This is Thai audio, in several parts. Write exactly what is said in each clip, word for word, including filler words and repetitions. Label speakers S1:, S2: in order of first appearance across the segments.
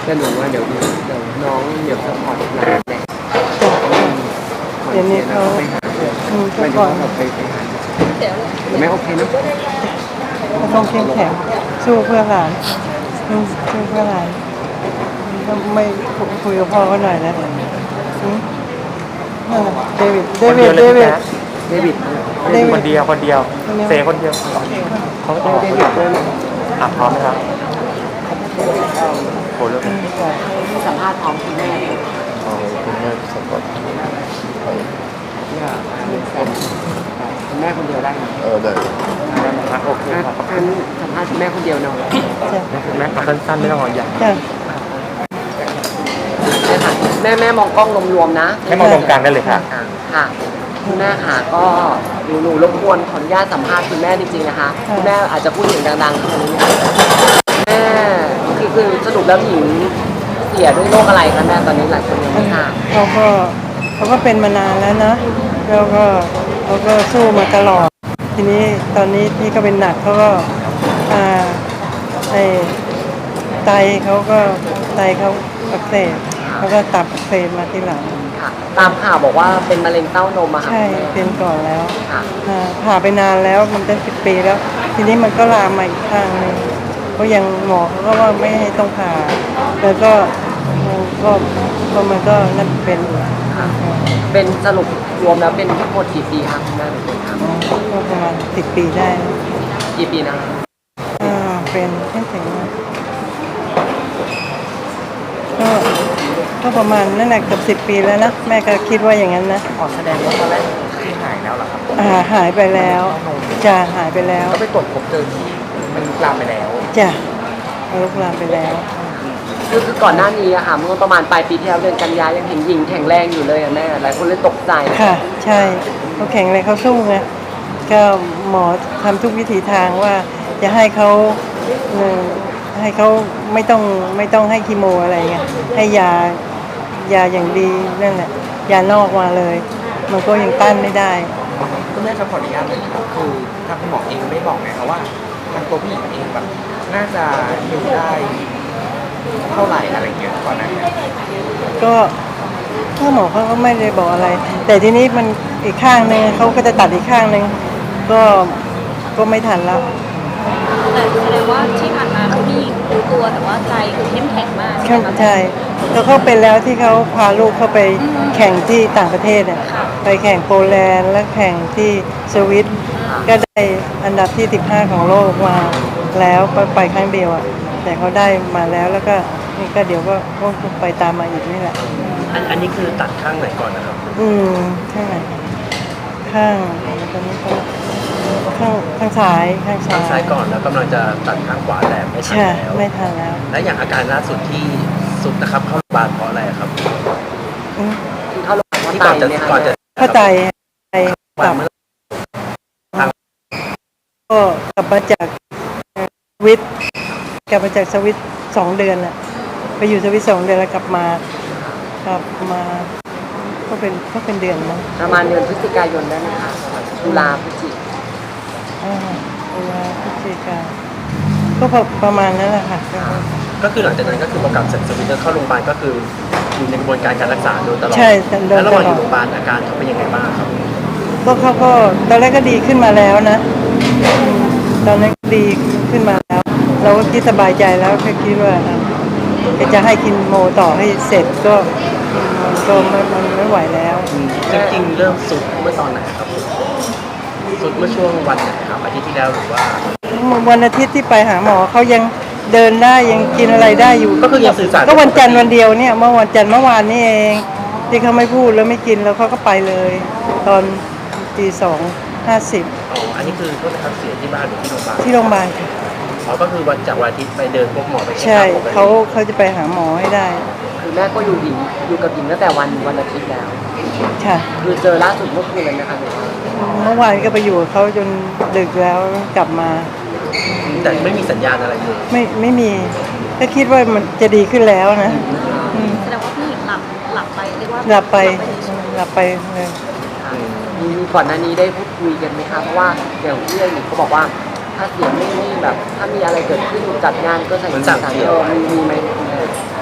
S1: แต่หนูว่าเดี๋ยวดีเดี๋ยวน้องเดี๋ยวสปอร์ตหลานแหละก่อน
S2: เดี๋ยวนี้
S1: เสีย
S2: เขา
S1: ไปหาเดี๋ยว
S2: อืม
S1: ไม่
S2: ก่
S1: ได้
S2: อน
S1: แบบไปไปหาไม่โอเคนะ
S2: ก็ต้องเข้มแข็งสู้เพื่อหลานสู้สู้เพื่อหลานไม่คุยกับพ่อเขาหน่อยนะอืมนั่นน่ะเดวิดเดวิดเดวิด
S1: เดวิด
S2: เดวิด
S3: คนเดียวคนเดียวเซคนเดียวเขา
S1: เด
S3: ออก
S1: วิดด้วย
S3: อ่ะพร้อมไหมครับโหเรื่อง
S1: สัมภาษณ์พร้อมคุณแม่เลย
S3: อ๋อคุณแม่สะกด
S1: เนี่ยคุณแม่คนเดียวได้ไหม
S3: เออได้อ่ะโอเคครับ
S1: อันสัมภาษณ์คุณแม่คนเดียวเนาะ
S2: จ้ะ
S3: แม่สั้นๆไม่ต้องอ่อนใหญ่
S2: จ้ะ
S1: แม่แม่มองกล้องรวมๆนะ
S3: ให้มองตรงกลางได้เลยค่ะ
S1: ค่ะคุณแม่ค่ะก็หนูหนูรบกวนขออนุญาตสัมภาษณ์คุณแม่จริงๆนะคะคุณแม่อาจจะพูดเสียงดังๆตรงนี้แม่คือคือสรุปแล้วหญิงเสียด้วยโรคอะไรคะแม่ตอนนี้หลายคนยังไม่ทราบ
S2: เขาก็เขาก็เป็นมานานแล้วนะแล้วก็เขาก็สู้มาตลอด ทีนี้ตอนนี้ที่ก็เป็นหนักเขาก็อ่าไอไตเขาก็ไตเขาอักเสบแล้วก็ตับอักเสบมาทีหลัง
S1: ค่ะตามข่าวบอกว่าเป็นมะเร็งเต้านมอะค่ะ
S2: ใช่เป็นก่อนแล้ว
S1: ค่ะ
S2: อ่าผ่าไปนานแล้วมันเป็นสิบปีแล้ว ทีนี้มันก็ลามมาอีกข้างหนึงก็ยังหมอเขาก็ว่าไม่ให้ต้องผ่าแล้วก็มันก็ก็มันก็นั่นเป็นอยู่
S1: ค่ะเป็นสรุปรวมแล้วเป็นทั้งหมดกี่ปีคะคุณแม่เป็นคนท
S2: อ๋อก็ประมาณสิบปีได้นะ
S1: ำกี่ปีนะคะ
S2: อ่าเป็นแค่ถึงก็ก็ประมาณนั่นแหละเกือบสิบปีแล้วนะแม่ก็คิดว่าอย่างนั้นนะ
S3: ขอแสดงว่าตอนแรกที่หายแล้วเหรอครับ
S2: อ่าหายไปแล้วจ้ะหายไปแล้ว
S3: ก็ไปตรวจพบเจอที่มันลุกลามไปแล้ว
S2: จ้ะลุกลามไปแล้ว
S1: คือคือก่อนหน้านี้อะค่ะเมื่อประมาณปลายปีที่แล้วเดือนกันยายังเห็นหญิงแข็งแรงอยู่เลยอะแม่หลายคนเลยตกใจ
S2: ค่ะ ใช่เขาแข็งแรงเขาสู้ไงก็หมอทำทุกวิถีทางว่าจะให้เขาเอ่อให้เขาไม่ต้องไม่ต้องให้คีโมอะไรเงี้ยให้ยายาอย่างดีนั่นแหละยานอกมาเลย มันก็ยังต้านไม่ได้
S3: คุณแม่จะขออนุญาตเลยครับคือทางคุณหมอเองไม่บอกไงครับว่าทางตัวผู้หญิงเองแบบน่าจะอยู่ได้เท่าไหร่อะไรเงี้ยก่อนหน้านี้
S2: ก็ถ้าหมอเขาก็ไม่ได้บอกอะไร แต่ทีนี้มันอีกข้างหนึ่งเขาก็จะตัดอีกข้างหนึ่งก็ก็ไม่ทันแล้ว
S4: แต่แสดงว่าที่ผ่านมาคือพี่หญิงรู้ตัวแต่ว่าใจคือเข้มแข็งมาก
S2: เข้าใจแล้วเขาเป็นแล้วที่เขาพาลูกเขาไปแข่งที่ต่างประเทศเนี่ยไปแข่งโปแลนด์และแข่งที่สวิตก็ได้อันดับที่สิบห้าของโลกมาแล้วไปไปครั้งเดียวอ่ะแต่เขาได้มาแล้วแล้วก็นี่ก็เดี๋ยวก็ก็ไปตามมาอีกนี่แหละ
S3: อันอันนี้คือตัดข้างไหนก่อนนะครับ
S2: อืมข้างไหนข้างตอนนี้ก็ข้างข้างซ้ายข้างซ้า
S3: ข้างซ้าย ยก่อนแล้วกำลังจะตัดข้างขวาแต่ไม่ทัน
S2: ใช่
S3: แล้ว
S2: ไม่ทันแล้ว
S3: และอย่างอาการล่าสุดที่สุดนะครับเข้าโรงพยาบาลเพราะอะไรครับ
S2: อืม
S1: คือเข้าโรงพยาบาล
S3: ที่
S1: ไต
S3: ก่อนจะ
S1: เนี่ย
S3: ก่อน
S1: ค่ะ
S3: จะ
S2: เข้าใจไปก
S3: วั
S2: ลั
S3: น
S2: บ
S3: เมื่อ
S2: ก็กลับมาจากสวิตกลับมาจากสวิตสองเดือนอะไปอยู่สวิตสองเดือนแล้วกลับมากลับมาก็เป็นก็เป็นเดือนนะ
S1: ประมาณเดือนพฤศจิกายนได้ไหมคะตุลาพฤศจิก
S2: อ่าตุลาพฤศจิกาก็พอประมาณนั้นแหละค่ะ
S3: ก็คือหลังจากนั้นก็คือพอกลับจากสวิตเซอร์เข้าโรงพยาบาลก็คืออยู่ในกระบวนการการรักษาโดยตลอด
S2: ใช่โดย
S3: แล้วระ
S2: ต
S3: หว่าง
S2: ล
S3: อ
S2: อยู่ ด
S3: โรงพยาบาลอาการเขาเป็นยังไงบ้างครับ
S2: ก็เขาก็ตอนแรกก็ดีขึ้นมาแล้วนะอืมตอนนั้นดีขึ้นมาแล้ว เราก็คิดสบายใจแล้วแค่คิดว่าอ่ะก็จะให้กินโมต่อให้เสร็จก็มันก็ไม่มันไม่ไหวแล้ว
S3: จริงๆเริ่มสุดเมื่อตอนไหนครับสุดเมื่อช่วงวันไหนครับอาทิตย์ที่แล้วหรือว่า
S2: วันอาทิตย์ที่ไปหาหมอเขายังเดินได้ยังกินอะไรได้อยู่
S3: ก็คือยังสื่อสาร
S2: ก็วันจันทร์วันเดียวเนี่ยเมื่อวันจันทร์เมื่อวานนี่เองที่เขาไม่พูดแล้วไม่กินแล้วเขาก็ไปเลย ตอนตีสองห้าสิบ
S3: อ๋ออันนี้คือก็นะครับเสียที่บ้านหรือที่โรงพยาบาล
S2: ที่โรงพยาบาลค่ะ
S3: อ๋อก็คือวันจากวันอาทิตย์ไปเดินพบหมอไปเช็ค
S2: ใช่
S3: อัพปกติ
S2: เขาเขาจะไปหาหมอให้ได้
S1: คือแม่ก็อยู่หญิงอยู่กับหญิงตั้งแต่วันวันอาทิตย์แล้ว
S2: ค่ะ
S1: คือเจอล่าสุดเมื่อคืนเลยนะคะหนูว่า
S2: เมื่อวานก็ไปอยู่กับเขาจนดึกแล้วกลับมา
S3: แต่ไม่มีสัญญาณอะไรเลย
S2: ไม่ไม่มีก็คิดว่ามันจะดีขึ้นแล้วนะอืม
S4: แสดงว่าพี่หญิงหลับหลับไปเรียกว่า
S2: หลับไป
S4: เฉย
S2: หลับไปเลย
S1: ค่ะมีมีก่อนหน้านี้ได้พูดคุยกันไหมคะเพราะว่าอย่างที่หญิงเขาบอกว่าถ้าเสียงไม่ไม่แบบ ถ้ามีอะไรเกิดขึ้นจัดงานก็ใส่
S3: เหมือนสั่ง
S1: สาร
S3: เสีย
S1: เออมีมีไหมคุณแม่
S2: อ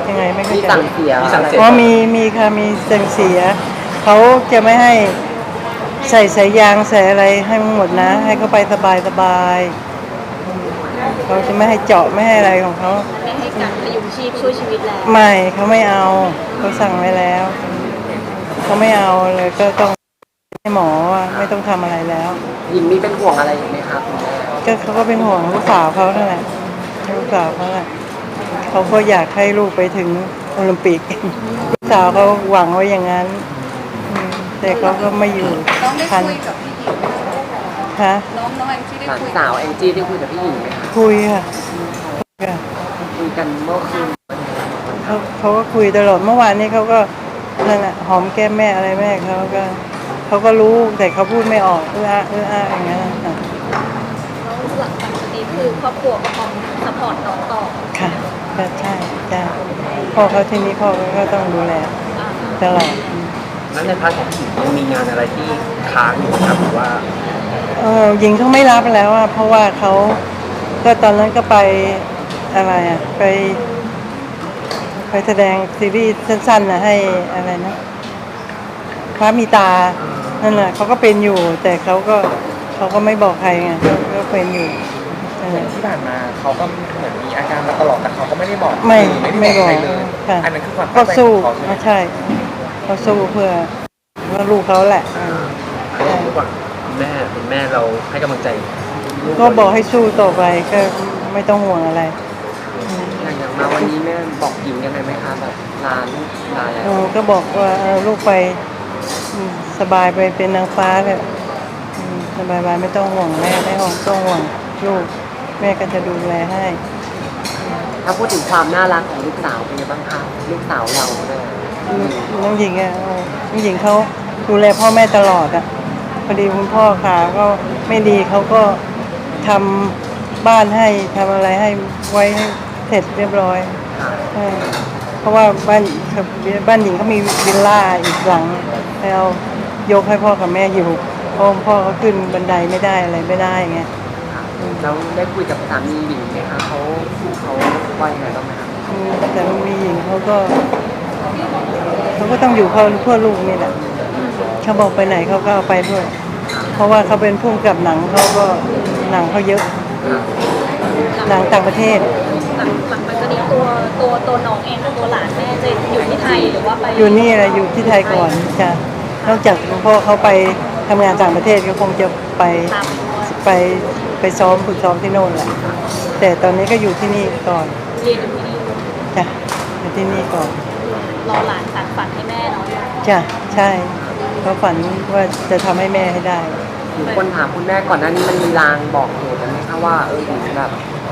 S2: ยังไงไม่เข้า
S1: มี
S2: ใจ
S1: สั่งเสีย
S3: มีสั่งเสีย
S2: เพราะมีมีค่ะมีเสียงเสียเขาจะไม่ให้ใส่สายยางใส่อะไรให้หมดนะ ให้เขาไปสบายสบายเขาจะไม่ให้เจาะไม่ให้อะไรของเขา
S4: ไม่ให้การพยุงชีพช่วยชีวิตแล้ว
S2: ไม่เขาไม่เอาเขาสั่งไว้แล้วเขาไม่เอาเลยก็ต้องให้หมอว่าไม่ต้องทำอะไรแล้ว
S1: หญิงมีเป็นห่วงอะไรอยู่ไหมคะคุณแม่
S2: ก็เขาก็เป็นห่วงลูกสาวเขานั่นแหละลูกสาวเขาแหละเขาก็อยากให้ลูกไปถึงโอลิมปิก ลูกสาวเขาหวังไว้อย่างนั้นอืมแต่เขาก็ไม่อยู่
S4: น้องได้
S2: ทัน
S4: คุยกับพี่หญิง
S2: คะ
S4: น้องน้องแองจี้ได้
S1: หลาน
S4: คุย
S1: สาวแองจี้ได้คุยกับพี่หญิงไหมคะ
S2: คุยค่ะคุยค่ะ
S1: คุยกันเมื่อคืน
S2: เขาเขาก็คุยตลอดเมื่อวานนี้เขาก็นั่นแหละหอมแก้มแม่อะไรแม่เขาก็เขาก็รู้แต่เขาพูดไม่ออกเอออาเอออาอย่างนั้นน่ะ
S4: แล้วหลังจากนี้คือครอบครัวก็พร้อมสปอร์ตน้องต่อ
S2: ค่ะก็ใช่ใช่พ่อเขาที่นี้พ่อเขาก็ต้องดูแล
S4: อ่า
S2: ตลอด
S3: แล้วในพาร์ทของผู้หญิงยังมีงานอะไรที่ค้างอยู่ครับหรือว่า
S2: เออหญิงเขาไม่รับแล้วอ่ะเพราะว่าเขาก็ตอนนั้นก็ไปอะไรอ่ะไป ไปแสดงซีรีส์สั้นๆนะให้อะไรนะพระมีตานั่นแหละเขาก็เป็นอยู่ แต่เขาก็เขาก็ไม่บอกใครไงเขาก็เป็นอยู่นั่นแหละ
S3: ที่ผ่านมาเขาก็เหมือนมีอาการมาตลอดแต่เขาก็ไม่ได้บอก
S2: ไม่
S3: ไม่ได้
S2: ไม่
S3: บอก
S2: บอก
S3: ใครเลย
S2: ค่ะ
S3: อันนั้นคือความ
S2: ก็
S3: ตั้งใจ
S2: สู้
S3: ของเขาใช่ไหม
S2: ไม่ใช่เขาสู้เพื่อว่าลูกเขาแหละ
S3: ระหว่างคุณแม่คุณแม่เราให้กำลังใจลู
S2: ก็บอกให้สู้ต่อไปก็ไม่ต้องห่วงอะไร
S1: อย่างอย่างมาวันนี้แม่บอกหญิงยังไงไหมคะแบบลาลูกลาแล้ว
S2: เออก็บอกว่าเออลูกไปอืมสบายไปเป็นนางฟ้าเลยอืมสบายไปไม่ต้องห่วงแม่ไม่ห่วงต้องห่วงลูกแม่ก็จะดูแลให้
S1: ถ้าพูดถึงความน่ารักของลูกสาวเป็นยังไงบ้างคะลูกสาวเราเนี่ย
S2: น้องหญิงอ่ะเออน้องหญิงเขาดูแลพ่อแม่ตลอดอ่ะพอดีคุณพ่อขาก็ไม่ดีเขาก็ทำบ้านให้ทำอะไรให้ไว้ให้เสร็จเรียบร้อย
S1: ค่ะ
S2: เออเพราะว่าบ้านบ้านหญิงเขามีวิลล่าอีกหลังแล้วยกให้พ่อกับแม่อยู่เพราะพ่อเขาขึ้นบันไดไม่ได้อะไรไม่ได้ไง
S1: ค่ะแล้วได้คุยกับสามีหญิงไหมคะเขาเขาว่ายังไงบ้างไหมคะ
S2: อืมแต่มีหญิงเขาก็เขาก็ต้องอยู่เพื่อเพื่อลูกนี่แหละเขาบอกไปไหนเขาก็เอาไปด้วย เพราะว่าเขาเป็นผู้กำกับหนังเขาก็หนังเขาเยอะ
S1: ค่ะ
S2: หนังต่างประเทศ
S4: หลังหลังจากนี้ตัวตัวตัวน้องเองกับตัวหลานแม่จะอยู่ที่ไทยหรือว่าไป
S2: อยู่นี่แหละอยู่ที่ไทยก่อนจ้ะนอกจากคุณพ่อเขาไปทำงานต่างประเทศก็คงจะไป
S4: ตาม
S2: ไปไปซ้อมฝึกซ้อมที่โน่นแหละ แต่ตอนนี้ก็อยู่ที่นี่ก่อน
S4: เรียนอยู่ที่นี่
S2: จ้ะอยู่ที่นี่ก่อน
S4: รอหลานสานฝันให้แม่เนาะ
S2: จ้ะใช่เขาฝันว่าจะทำให้แม่ให้ได้
S1: หญิงคนถามคุณแม่ก่อนหน้านี้มันมีลางบอกเหตุไหมคะว่าเออหญิงแบบ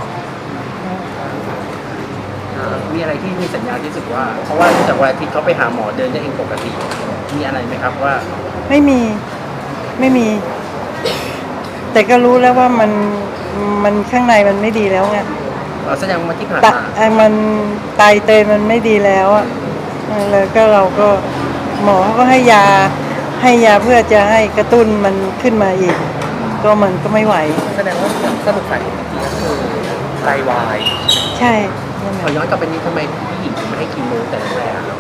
S1: อ่า
S5: มีอะไรที่มีสัญญาณที่รู้สึกว่า เพราะว่าเนื่องจากวันอาทิตย์เขาไปหาหมอเดินได้เองปกติ มีอะไรไหมครับว่า
S2: ไม่มีไม่มี แต่ก็รู้แล้วว่ามันมันข้างในมันไม่ดีแล้วไง
S5: เอ่อแสดงว่าที่ผ่าน
S2: ตะ
S5: มา
S2: ไอ้มันไตเตยมันไม่ดีแล้วอ่ะเออแล้วก็เราก็หมอเขาก็ให้ยาให้ยาเพื่อจะให้กระตุ้นมันขึ้นมาอีก ก็มันก็ไม่ไหว
S3: แสดงว่าสรุปสาเหตุจริงๆก็คือไตวาย
S2: ใช่นั่นแห
S5: ขอ
S2: ละ
S5: ย้อนกลับไปนี้ทำไมผู้หญิงถึงไม่ให้คีโมแต่แรกอะครับ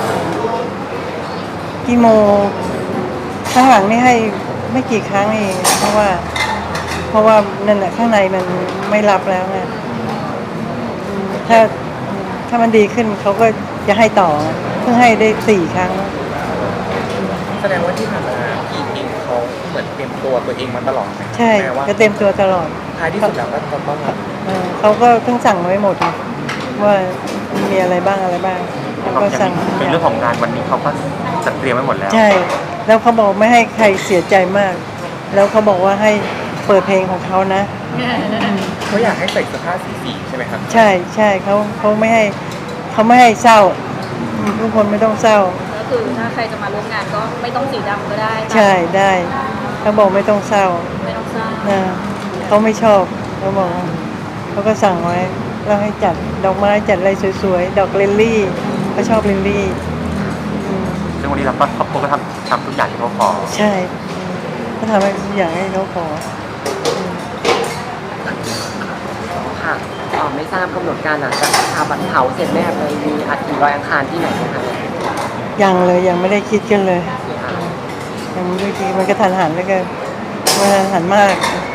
S2: กีโมข้างหลังนี่ให้ไม่กี่ครั้งเองเพราะว่า เพราะว่านั่นแหละข้างในมันไม่รับแล้วไงอืมถ้าถ้ามันดีขึ้นเขาก็จะให้ต่อเพิ่งให้ได้สี่ครั้ง
S3: แสดงว่าที่ผ่านมาพี่เองเขาเหมือนเตรียมตัวตัวเองมาตลอดไหม
S2: ใช่
S3: แม้ว่า
S2: ก็เต็มตัวตลอด
S3: ท้ายที่สุดแล้วก็จะต้องรับ
S2: เออเขาก็เพิ่งสั่งไว้หมดไงว่ามีอะไรบ้างอะไรบ้างเขาก็สั่ง
S3: เป็นเรื่องของงานวันนี้เขาก็จัดเตรียมไว้หมดแล้ว
S2: ใช่ แล้วเขาบอกไม่ให้ใครเสียใจมาก แล้วเขาบอกว่าให้เปิดเพลงของเขานะ
S3: เขาอยากให้ใส่เสื้อผ้าสีสีใช่ไหมครับ
S2: ใช่ใช่เขาเขาไม่ให้เขาไม่ให้เศร้าอืมทุกคนไม่ต้องเศร้า
S4: ก็คือถ้าใครจะมาร่วมงานก็ไม่ต้องสีดำก็ได้
S2: ใช่ได้เขาบอกไม่ต้องเศร้า
S4: ไม่ต้องสร้าง
S2: นะเขาไม่ชอบเขาบอกเขาก็สั่งไว้แล้วให้จัดดอกไม้จัดอะไรสวยๆดอกลิลลี่เขาชอบลิลลี่อืม
S3: ซึ่งวันนี้เราก็ครอบครัวก็ทำทำทุกอย่างที่เขาขอ
S2: ใช่เขาทำให้ทุกอย่างให้เขาขอ
S1: ค่ะอ๋อไม่ทราบกำหนดการหลังจากชาบัตรเผาเสร็จแม่เลยมีอัฐิลอยอังคารที่ไหนไหมคะ
S2: ยังเลยยังไม่ได้คิดกันเลยยังไม่ได้คิดมันก็ทันหันแล้วก็มันทันหันมาก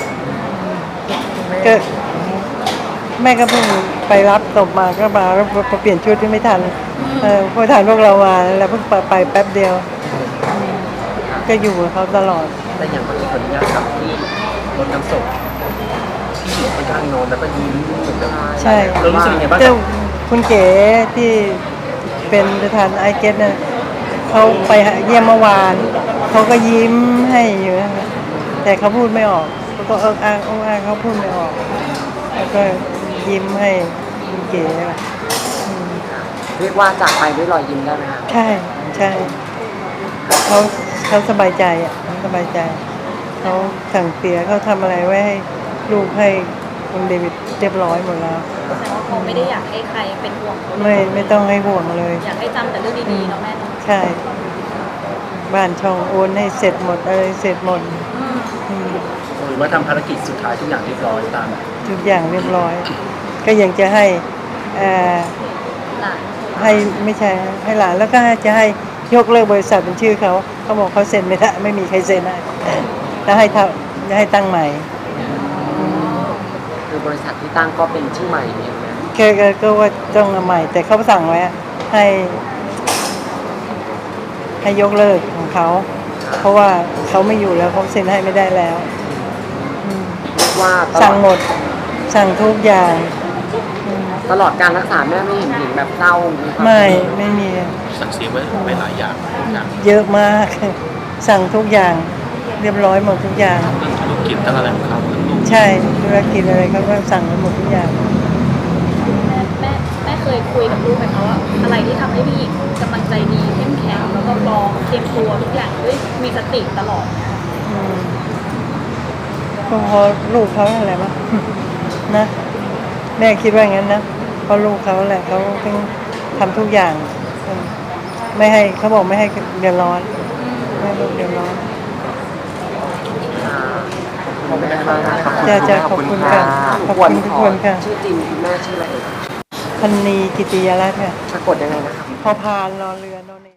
S2: ก็แม่ก็เพิ่งไปรับศพมาก็มาแล้วพอเปลี่ยนชุดที่ไม่ทันเออพอทันพวกเรามาแล้วเพิ่งไปไปแป๊บเดียวก็อยู่กับเขาตลอด
S5: แต่อย่างวันนี้ขออนุญาตครับที่รถน้ำศพที่อยู่ข้างๆนอนแล้วก็ยิ้มเหมือนแบบ
S2: ใช่
S5: เรารู้สึกยังไงบ้างค
S2: เจ้า
S5: รับ
S2: คุณเก๋ที่เป็นประธานไอเกตเนี่ยเขาไปเยี่ยมเมื่อวานเขาก็ยิ้มให้อยู่นะแต่เขาพูดไม่ออกเขาก็เอิกอ้างเอิกอ้างเขาพูดไม่ออกแล้วก็ยิ้มให้คุณเก๋อะอืม
S1: เรียกว่าจากไปด้วยรอยยิ้มได้ไหมคะ
S2: ใช่ใช่เขาเขาสบายใจอ่ะเขาสบายใจเขาสั่งเสียเขาทำอะไรไว้ให้ลูกให้คุณเดวิดเรียบร้อยหมดแล้ว
S4: แสดงว่าเขาไม่ได้อยากให้ใครเป็นห่วงเขาเลย
S2: ไม่ไม่ต้องให้ห่วงเลย
S4: อยากให้จำแต่เรื่องดีๆเนาะแม่เนาะ
S2: ใช่ บ้านช่องโอนให้เสร็จหมดอะไรเสร็จหมด
S4: อืม
S2: อืม
S5: หรือว่าทำภารกิจสุดท้ายทุกอย่างเรียบร้อยตาม
S2: ทุกอย่างเรียบร้อย ก็ยังจะให้เอ่อ
S4: หลาน
S2: ให้ไม่ใช่ให้หลานแล้วก็จะให้ยกเลิกบริษัทเป็นชื่อเขาเขาบอกเขาเซ็นไม่ได้ไม่มีใครเซ็นได้แล้วให้ทำจะให้ตั้งใหม่
S1: คือบริษัทที่ตั้งก็เป็นชื่อใหม่เองนะ
S2: แค่ก็ก็ว่าต้องเอาใหม่ แต่เขาสั่งไว้อะให้ ให้ยกเลิกของเขา เพราะว่าเขาไม่อยู่แล้วเขาเซ็นให้ไม่ได้แล้วอืม
S1: เรียกว่าตล
S2: สั่
S1: อง ด
S2: หมด สั่งทุกอย่างอืม
S1: ตลอดการรักษาแม่ไม่เห็นหญิงแบบเศร้ามีความ
S2: ไม่ไม่มี
S5: สั่งเสียไว้ไว้หลายอย่างอย่าง
S2: เยอะมาก สั่งทุกอย่าง เรียบร้อยหมดทุกอย่าง
S5: เรื่องธุรกิจทั้งอะไรของเขาทั้งลูก
S2: ใช่ธุรกิจอะไรเขาก็สั่งไปหมดทุกอย่าง
S4: แม่แม่แม่เคยคุยกับลูกไหมคะว่าอะไรที่ทำให้พี่หญิงกำลังใจดีเข้มแข็งแล้วก็พร้อมเตรียมตัวทุกอย่างด้วยมีสติตลอด
S2: อืมก็เพราะลูกเขาอะไรมั้ง นะแม่คิดว่างั้นนะเพราะลูกเขาแหละเขาต้องทำทุกอย่างอืมไม่ให้เขาบอกไม่ให้เดือดร้อนไม่ให้ลูกเดือดร้อน
S1: อ่าขอบคุณแม่มากนะคะ
S2: จ้าจ้าขอบคุณค่ะขอบคุณทุกคนค่ะ
S1: ชื่อจริงคุณแม่ชื่ออะไรเอ่ย
S2: พันนีกิติยรัตน์ค่ะ
S1: สะกดยังไงนะครับ
S2: พอพานรอเรือนอน